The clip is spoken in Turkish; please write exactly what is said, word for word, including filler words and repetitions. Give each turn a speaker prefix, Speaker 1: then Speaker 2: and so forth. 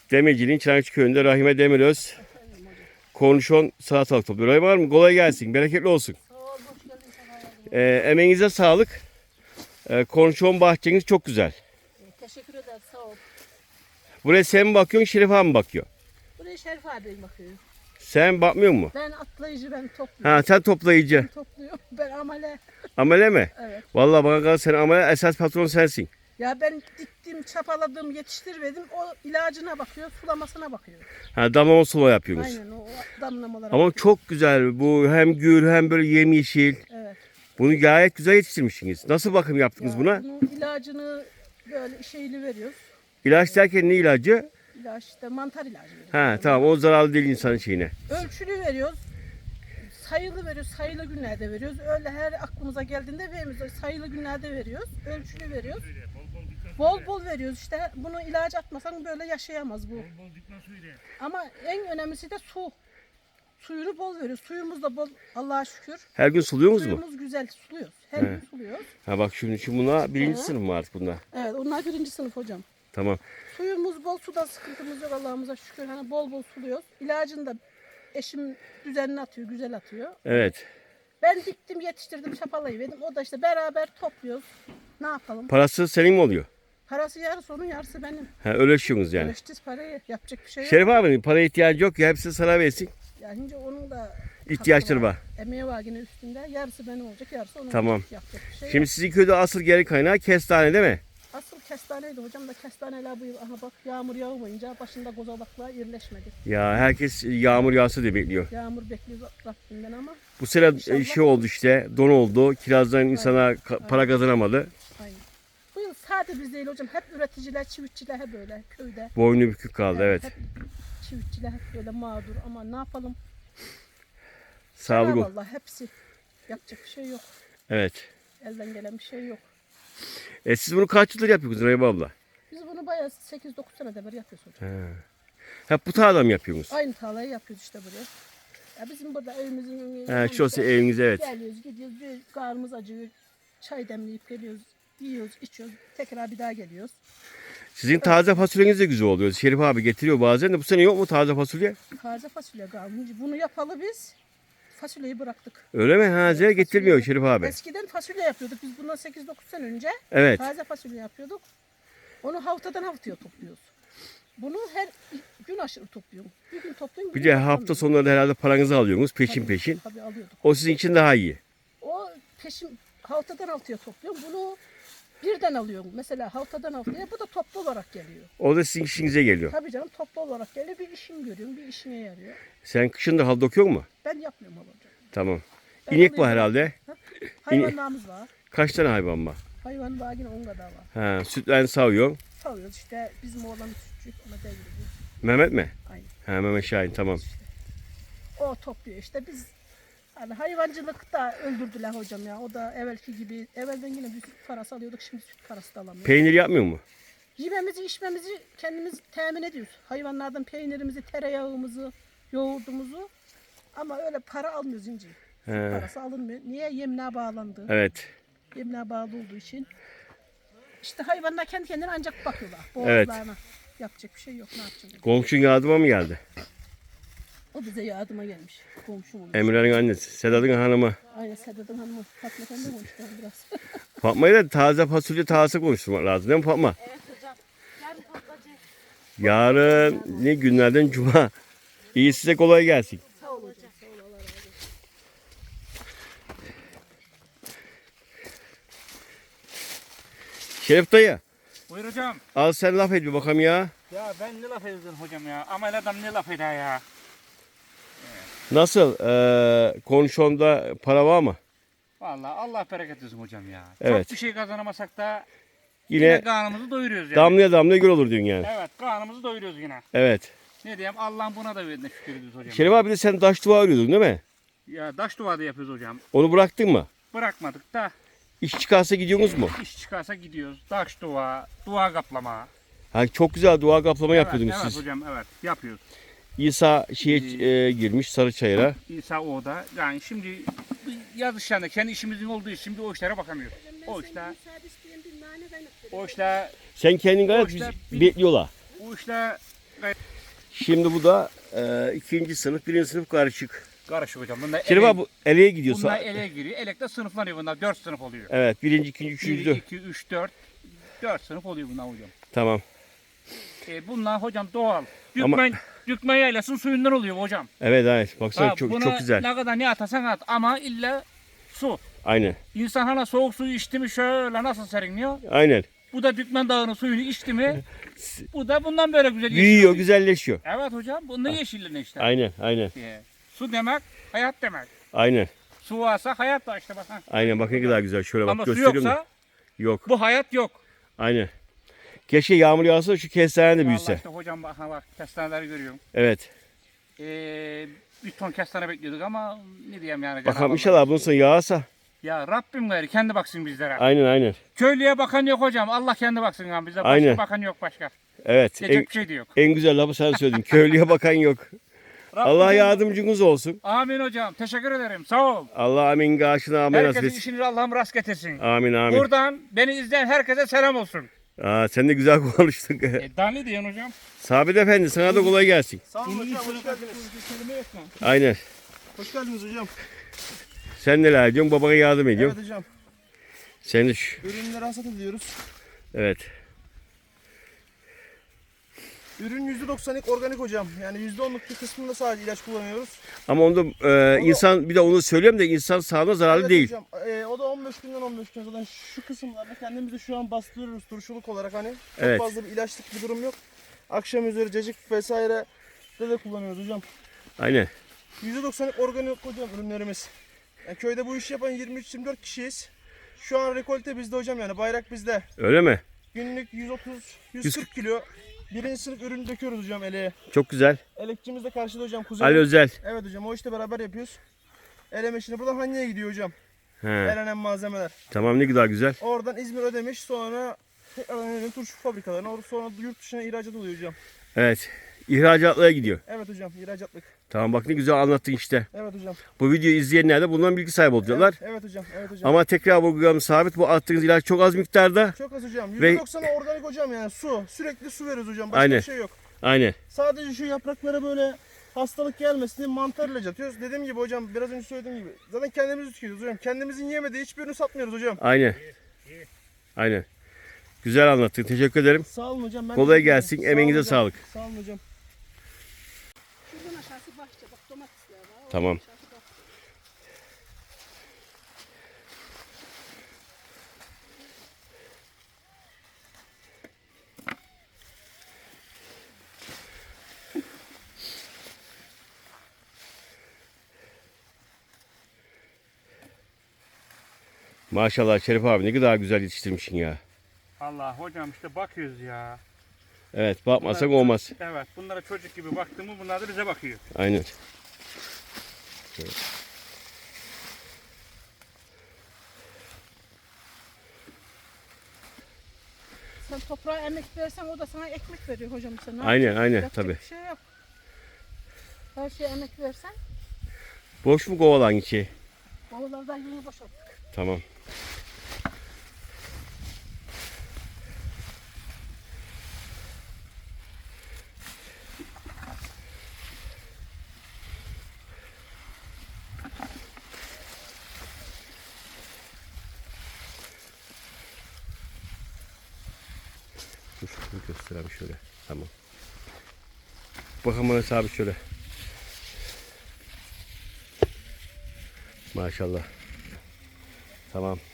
Speaker 1: Demirci'nin Çanakçı köyünde Rahime Demiröz kornişon salatalık topluyor. Rahime var mı? Kolay gelsin. Bereketli olsun.
Speaker 2: Sağ ol, hoş geldin.
Speaker 1: Ee, emeğinize sağlık. Ee, kornişon bahçeniz çok güzel.
Speaker 2: Ee, teşekkür ederim, sağ ol.
Speaker 1: Buraya sen mi bakıyorsun, Şerif abi mi bakıyor?
Speaker 2: Buraya Şerif abi bakıyor.
Speaker 1: Sen bakmıyor mu?
Speaker 2: Ben atlayıcı, ben topluyorum.
Speaker 1: Ha, sen toplayıcı.
Speaker 2: Ben topluyorum, ben amele.
Speaker 1: Amele mi?
Speaker 2: Evet.
Speaker 1: Vallahi bana kalırsa sen amele, esas patron sensin.
Speaker 2: Ya ben diktim, çapaladım, yetiştirmedim. O ilacına bakıyor, sulamasına bakıyor.
Speaker 1: Ha, damlama sula yapıyorsunuz.
Speaker 2: Aynen, o damlamalara
Speaker 1: Ama
Speaker 2: bakıyor.
Speaker 1: çok güzel. Bu hem gür hem böyle yemyeşil.
Speaker 2: Evet.
Speaker 1: Bunu gayet güzel yetiştirmişsiniz. Nasıl bakım yaptınız
Speaker 2: Ya
Speaker 1: buna?
Speaker 2: bunun ilacını böyle şeyli veriyoruz.
Speaker 1: İlaç derken ne ilacı?
Speaker 2: İlaç işte mantar ilacı veriyoruz.
Speaker 1: Ha tamam, o zararlı değil insanın şeyine.
Speaker 2: Ölçülü veriyoruz. Sayılı veriyoruz, sayılı günlerde veriyoruz. Öyle her aklımıza geldiğinde vermiyoruz. Sayılı günlerde veriyoruz, ölçülü veriyoruz. Bol bol veriyoruz işte. Bunu ilaç atmasan böyle yaşayamaz bu. Ama en önemlisi de su. Suyunu bol veriyoruz. Suyumuz da bol, Allah'a şükür.
Speaker 1: Her gün suluyorsunuz mu?
Speaker 2: Suyumuz güzel, suluyoruz. Her
Speaker 1: He.
Speaker 2: gün suluyoruz.
Speaker 1: Ha bak şimdi, şimdi buna birinci
Speaker 2: Hı.
Speaker 1: sınıf mı artık bunda?
Speaker 2: Evet, onlar birinci sınıf hocam.
Speaker 1: Tamam.
Speaker 2: Suyumuz bol, suda sıkıntımız yok Allah'ımıza şükür. Hani bol bol suluyoruz. İlacını da eşim düzenli atıyor, güzel atıyor.
Speaker 1: Evet.
Speaker 2: Ben diktim, yetiştirdim, çapalayıverdim. O da işte beraber topluyoruz. Ne yapalım?
Speaker 1: Parası senin mi oluyor?
Speaker 2: Parası yarısı onun, yarısı benim.
Speaker 1: Ha, öleşiyorsunuz yani.
Speaker 2: Ölçtüz parayı, yapacak bir şey yok.
Speaker 1: Şerif abinin para ihtiyacı yok ya, hepsini sana versin.
Speaker 2: Yani şimdi onun da
Speaker 1: İhtiyaçları
Speaker 2: hakkı
Speaker 1: var.
Speaker 2: Emeği var yine üstünde. Yarısı benim olacak, yarısı onun
Speaker 1: Tamam.
Speaker 2: olacak. Yapacak bir şey
Speaker 1: Şimdi
Speaker 2: yok.
Speaker 1: sizin köyde asıl geri kaynağı kestane değil mi?
Speaker 2: Asıl kestaneydi hocam da kestaneler bu yıl, aha bak yağmur yağmayınca başında kozalaklar irileşmedi.
Speaker 1: Ya herkes yağmur yağsa diye bekliyor.
Speaker 2: Yağmur bekliyoruz Rabbimden ama
Speaker 1: Bu sene
Speaker 2: İnşallah.
Speaker 1: şey oldu işte, don oldu. Kirazdan insana ka- para kazanamadı.
Speaker 2: aynen. Bu yıl sadece biz değil hocam, hep üreticiler, çiftçiler hep böyle köyde.
Speaker 1: Boynu bükük kaldı, evet.
Speaker 2: Hep çiftçiler hep böyle mağdur ama ne yapalım?
Speaker 1: Sağlık ol.
Speaker 2: Vallahi hepsi. Yapacak bir şey yok.
Speaker 1: Evet.
Speaker 2: Elden gelen bir şey yok.
Speaker 1: E siz bunu kaç yıldır yapıyorsunuz Rahime abla?
Speaker 2: Biz bunu bayağı sekiz dokuz senede bir yapıyoruz hocam.
Speaker 1: Ha. Hep bu tarlada mı yapıyorsunuz?
Speaker 2: Aynı tarlayı yapıyoruz işte buraya. Ya bizim burada evimizin
Speaker 1: Ha, şurası eviniz, evet.
Speaker 2: Geliyoruz, gidiyoruz, bir karnımız acıyor. Çay demleyip geliyoruz, yiyoruz, içiyoruz. Tekrar bir daha geliyoruz.
Speaker 1: Sizin taze fasulyeniz de güzel oluyor. Şerif abi getiriyor bazen de. Bu sene yok mu taze fasulye?
Speaker 2: Taze fasulye kalmış. Bunu yapalı biz. Fasulyeyi bıraktık.
Speaker 1: Öyle mi? Ha, Zeye getirmiyor
Speaker 2: Fasulye-
Speaker 1: Şerif abi.
Speaker 2: Eskiden fasulye yapıyorduk. Biz bundan sekiz dokuz sene önce
Speaker 1: Evet.
Speaker 2: taze fasulye yapıyorduk. Onu haftadan haftaya topluyoruz. Bunu her gün aşırı topluyorum. Bir gün topluyorum.
Speaker 1: Bir
Speaker 2: bir
Speaker 1: de
Speaker 2: gün
Speaker 1: hafta
Speaker 2: toplamıyorum.
Speaker 1: sonları da herhalde paranızı alıyorsunuz peşin
Speaker 2: Tabii,
Speaker 1: peşin.
Speaker 2: Tabii alıyorduk.
Speaker 1: O sizin için daha iyi.
Speaker 2: O peşin haftadan haftaya topluyorum. Bunu birden alıyorum. Mesela haftadan haftaya, bu da toplu olarak geliyor.
Speaker 1: O da sizin işinize geliyor.
Speaker 2: Tabii canım, toplu olarak geliyor. Bir işim görüyorum, bir işine yarıyor.
Speaker 1: Sen kışın da hal dokuyor mu?
Speaker 2: Ben yapmıyorum hocam.
Speaker 1: Tamam.
Speaker 2: Ben
Speaker 1: İnek var
Speaker 2: alıyorum.
Speaker 1: herhalde.
Speaker 2: Ha? Hayvanlarımız var.
Speaker 1: Kaç tane hayvan var?
Speaker 2: Hayvan var yine on kadar var.
Speaker 1: Ha, sütlerini sağıyor.
Speaker 2: Salıyoruz işte, bizim oğlan sütçü, ona deviriyor.
Speaker 1: Mehmet mi?
Speaker 2: Aynen.
Speaker 1: Ha, Mehmet Şahin, tamam.
Speaker 2: O topluyor işte, biz hani hayvancılık da öldürdüler hocam ya. O da evvelki gibi, evvelden yine bir süt parası alıyorduk, şimdi süt parası da alamıyoruz.
Speaker 1: Peynir yapmıyor mu?
Speaker 2: Yememizi, içmemizi kendimiz temin ediyoruz. Hayvanlardan peynirimizi, tereyağımızı, yoğurdumuzu. Ama öyle para almıyoruz ince. Süt
Speaker 1: He.
Speaker 2: parası alınmıyor. Niye? Yemliğe bağlandı.
Speaker 1: Evet.
Speaker 2: Yemliğe bağlı olduğu için. İşte hayvanlar kendi kendine ancak bakıyorlar.
Speaker 1: Evet.
Speaker 2: Boğazlarına. Yapacak bir şey yok. Ne yapacağız?
Speaker 1: Komşun yardıma mı geldi?
Speaker 2: O bize yardıma gelmiş. Komşum olmuş.
Speaker 1: Emre'nin annesi. Sedat'ın hanımı.
Speaker 2: Aynen, Sedat'ın hanımı. Fatma Efendi konuştular biraz.
Speaker 1: Fatma'yı da taze fasulye taze konuşturmak lazım değil mi Fatma?
Speaker 3: Evet hocam. Yarın toplayacağız.
Speaker 1: Yarın ne günlerden cuma. İyi, size kolay gelsin.
Speaker 2: Sağ ol hocam. Sağ ol. Allah razı olsun.
Speaker 1: Şerif dayı,
Speaker 4: Buyur hocam.
Speaker 1: al sen laf et bir bakalım ya.
Speaker 4: Ya ben ne laf edeceğim hocam ya? Amel adam ne laf eder ya?
Speaker 1: Nasıl? Ee, konuşonda para var mı?
Speaker 4: Vallahi Allah bereket versin hocam ya.
Speaker 1: Evet.
Speaker 4: Çok bir şey kazanamasak da yine,
Speaker 1: Yine
Speaker 4: karnımızı doyuruyoruz yani.
Speaker 1: damlaya damlaya göl olur diyorsun yani.
Speaker 4: Evet, karnımızı doyuruyoruz yine.
Speaker 1: Evet.
Speaker 4: Ne diyeyim, Allah'ın buna da verdiğine şükür ediyoruz hocam.
Speaker 1: Şerif abi de sen taş duvar örüyordun değil mi?
Speaker 4: Ya taş duvada yapıyoruz hocam.
Speaker 1: Onu bıraktın mı?
Speaker 4: Bırakmadık da
Speaker 1: İş çıkarsa gidiyorsunuz mu?
Speaker 4: iş çıkarsa gidiyoruz. Taş duva, duva kaplama.
Speaker 1: Ha, çok güzel duvar kaplama
Speaker 4: Evet,
Speaker 1: yapıyordunuz
Speaker 4: evet
Speaker 1: siz.
Speaker 4: hocam, evet yapıyoruz.
Speaker 1: İsa şeye e, girmiş Sarıçayır'a.
Speaker 4: İsa o da. Yani şimdi yaz işlerinde kendi işimizin olduğu için şimdi o işlere bakamıyoruz. O işler,
Speaker 2: Müsaade isteyen bir nane ben
Speaker 4: o işler,
Speaker 1: Sen kendin gayet
Speaker 4: Boşta
Speaker 1: biz
Speaker 4: bir-
Speaker 1: bekliyorlar.
Speaker 4: o işler
Speaker 1: Şimdi bu da e, ikinci sınıf, birinci sınıf karışık.
Speaker 4: Karışık hocam. Bunlar
Speaker 1: Şerif
Speaker 4: ele,
Speaker 1: abi bu eleye gidiyorsa.
Speaker 4: bunlar ele giriyor. Elekte sınıflanıyor bunlar. Dört sınıf oluyor.
Speaker 1: Evet, birinci, ikinci, üçüncü,
Speaker 4: bir,
Speaker 1: dört.
Speaker 4: iki, üç, dört. Dört sınıf oluyor bunlar hocam.
Speaker 1: Tamam.
Speaker 4: E, bunlar hocam doğal.
Speaker 1: Ama-
Speaker 4: Dükmen, Dükmen yaylasının suyundan oluyor hocam.
Speaker 1: Evet, evet. Baksana
Speaker 4: Ha,
Speaker 1: çok
Speaker 4: buna
Speaker 1: çok güzel.
Speaker 4: ne kadar ne atarsan at ama illa su.
Speaker 1: Aynen.
Speaker 4: İnsan hala soğuk suyu içti mi şöyle nasıl serinliyor.
Speaker 1: Aynen.
Speaker 4: Bu da Dükmen Dağı'nın suyunu içti mi bu da bundan böyle güzel
Speaker 1: Büyüyor,
Speaker 4: yeşil oluyor.
Speaker 1: güzelleşiyor.
Speaker 4: Evet hocam bunun yeşilliğine işte.
Speaker 1: Aynen, aynen.
Speaker 4: E, su demek hayat demek.
Speaker 1: Aynen.
Speaker 4: Su varsa hayat var işte bak. Ha.
Speaker 1: Aynen bak ne kadar güzel. Şöyle bak
Speaker 4: Ama su
Speaker 1: gösteriyorum
Speaker 4: yoksa
Speaker 1: da. Yok.
Speaker 4: bu hayat yok.
Speaker 1: Aynen. Keşke yağmur yağsa şu kestane de
Speaker 4: Vallahi
Speaker 1: büyüse.
Speaker 4: işte hocam bak, ha bak kestaneleri görüyorum.
Speaker 1: Evet.
Speaker 4: Ee, bir ton kestane bekliyorduk ama ne diyeyim yani.
Speaker 1: Bakalım
Speaker 4: Cenab-ı
Speaker 1: inşallah
Speaker 4: Allah.
Speaker 1: bunun sonu yağsa.
Speaker 4: Ya Rabbim gayrı kendi baksın bizlere.
Speaker 1: Aynen, aynen.
Speaker 4: Köylüye bakan yok hocam. Allah kendi baksın ya bize. Başka
Speaker 1: Aynen.
Speaker 4: bakan yok başka.
Speaker 1: Evet. En,
Speaker 4: Diyecek bir şey de yok.
Speaker 1: en güzel lafı sen söyledin. Köylüye bakan yok.
Speaker 4: Rabbim-
Speaker 1: Allah yardımcınız olsun.
Speaker 4: Amin hocam. Teşekkür ederim. Sağ ol.
Speaker 1: Allah amin gâşına amin nasip
Speaker 4: Herkesin
Speaker 1: etsin.
Speaker 4: işini Allah'ım rast getirsin.
Speaker 1: Amin amin.
Speaker 4: Buradan beni izleyen herkese selam olsun.
Speaker 1: Aa, sen de güzel konuştun.
Speaker 4: E, daha ne diyorsun hocam?
Speaker 1: Sabit Efendi sana da kolay gelsin.
Speaker 5: Sağ olun hocam, hoş geldiniz.
Speaker 1: Aynen.
Speaker 5: Hoş geldiniz hocam.
Speaker 1: Sen neler ediyorsun? Babana yardım ediyorsun.
Speaker 5: Evet hocam.
Speaker 1: Sen de şu.
Speaker 5: Ürünleri hasat ediyoruz.
Speaker 1: Evet.
Speaker 5: Ürün yüzde doksanlık organik hocam. Yani yüzde onluk bir kısmında sadece ilaç kullanıyoruz.
Speaker 1: Ama onda e, insan bir de onu söylüyorum da insan sağlığına zararlı
Speaker 5: Evet
Speaker 1: değil.
Speaker 5: hocam. e, o da on beş günden on beş gün. Zaten şu kısımlarda kendimizi şu an bastırıyoruz turşuluk olarak hani. Çok
Speaker 1: Evet.
Speaker 5: fazla bir ilaçlık bir durum yok. Akşam üzeri cacık vesaire de, de kullanıyoruz hocam.
Speaker 1: Aynen.
Speaker 5: yüzde doksanlık organik hocam ürünlerimiz. Yani köyde bu işi yapan yirmi üç yirmi dört kişiyiz. Şu an rekolte bizde hocam, yani bayrak bizde.
Speaker 1: Öyle mi?
Speaker 5: Günlük yüz otuz yüz kırk kilo. Birinci sınıf ürün döküyoruz hocam eleğe.
Speaker 1: Çok güzel.
Speaker 5: Elekçimiz de karşıda hocam, kuzenim.
Speaker 1: Ali Özel.
Speaker 5: Evet hocam, o işte beraber yapıyoruz. Eleme işini buradan Hanya'ya gidiyor hocam.
Speaker 1: He.
Speaker 5: Elenen malzemeler.
Speaker 1: Tamam ne kadar güzel.
Speaker 5: Oradan İzmir Ödemiş, sonra tekrardan ürün turşu fabrikalarına, or- sonra yurt dışına ihracat oluyor hocam.
Speaker 1: Evet. İhracatlara gidiyor.
Speaker 5: Evet hocam, ihracatlık.
Speaker 1: Tamam bak ne güzel anlattın işte.
Speaker 5: Evet hocam.
Speaker 1: Bu videoyu izleyenler de bundan bilgi sahibi olacaklar.
Speaker 5: Evet, evet hocam, evet hocam.
Speaker 1: Ama tekrar vurgulayalım sabit bu attığınız ilaç çok az miktarda.
Speaker 5: Çok az hocam.
Speaker 1: Ve-
Speaker 5: yüzde doksanı organik hocam, yani su. Sürekli su veriyoruz hocam. Başka
Speaker 1: Aynen.
Speaker 5: bir şey yok.
Speaker 1: Aynen.
Speaker 5: Sadece şu yapraklara böyle hastalık gelmesin diye mantar ilacı atıyoruz. Dediğim gibi hocam, biraz önce söylediğim gibi. Zaten kendimiz tüketiyoruz hocam. Kendimizin yemediği hiçbirini satmıyoruz hocam.
Speaker 1: Aynen. Aynen. Güzel anlattın. Teşekkür ederim.
Speaker 5: Sağ olun hocam. Ben
Speaker 1: Kolay
Speaker 5: teşekkür ederim.
Speaker 1: gelsin,
Speaker 5: Sağ
Speaker 1: emeğinize
Speaker 5: olun hocam.
Speaker 1: sağlık.
Speaker 5: Sağ olun hocam.
Speaker 2: Şuradan aşağısı bahçe. Bak domatesler var. Oradan
Speaker 1: Tamam.
Speaker 2: aşağısı bahçe.
Speaker 1: Maşallah Şerif abi ne kadar güzel yetiştirmişsin ya.
Speaker 4: Allah hocam işte bakıyoruz ya.
Speaker 1: Evet bakmasak
Speaker 4: Bunlar-
Speaker 1: olmaz.
Speaker 4: Evet bunlara çocuk gibi baktığımı bunlar da bize bakıyor.
Speaker 1: Aynen.
Speaker 2: Sen toprağa emek versen o da sana ekmek veriyor hocam. Sen ne
Speaker 1: Aynen,
Speaker 2: yapacaksın?
Speaker 1: aynen,
Speaker 2: Yapacak
Speaker 1: tabii.
Speaker 2: bir şey yok. Her şeye emek versen
Speaker 1: Boş mu kovalan içi?
Speaker 2: babalardan yeni boşalt.
Speaker 1: Tamam. Dur şunu göstereyim şöyle. Tamam. Bakalım bana sabit şöyle. Maşallah. Tamam.